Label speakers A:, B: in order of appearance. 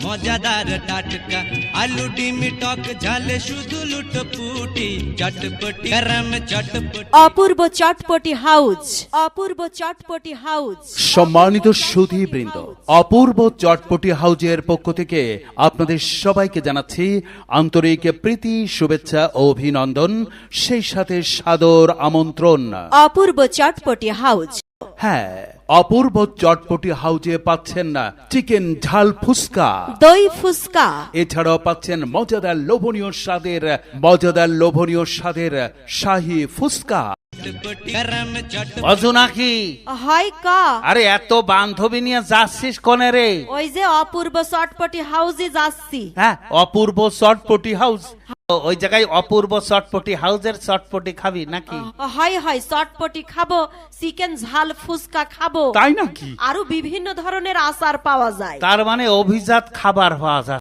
A: মজাদার টাটকা আলু ডিম টক ঝালে শুধু লুটপুটি চটপটি গরম চটপটি
B: অপূর্ব চটপটি হাউস, অপূর্ব চটপটি হাউস।
C: সম্মানিত সুধীবৃন্দ, অপূর্ব চটপটি হাউজের পক্ষ থেকে আপনাদের সবাইকে জানাচ্ছি আন্তরিক প্রীতি, শুভেচ্ছা ও অভিনন্দন, সেই সাথে সাদর আমন্ত্রণ।
B: অপূর্ব চটপটি হাউস।
C: হ্যাঁ, অপূর্ব চটপটি হাউজে পাচ্ছেন না চিকেন ঝাল ফুচকা,
B: দই ফুচকা,
C: এছাড়াও পাচ্ছেন মজাদার লোভনীয় স্বাদের শাহী ফুচকা।
A: গরম চটপটি
D: অজু নাকি?
B: হয় ক।
D: আরে এত বান্ধবী নিয়ে যাচ্ছিস কোনে রে?
B: ওই যে অপূর্ব চটপটি হাউসে যাচ্ছি।
D: হ্যাঁ, অপূর্ব চটপটি হাউস। ওই জায়গায় অপূর্ব চটপটি হাউসের চটপটি খাবি নাকি?
B: হয় হয়, চটপটি খাবো, চিকেন ঝাল ফুচকা খাবো,
C: তাই নাকি?
B: আরো বিভিন্ন ধরনের আচার পাওয়া যায়।
D: তার মানে অভিজাত খাবার পাওয়া যায়।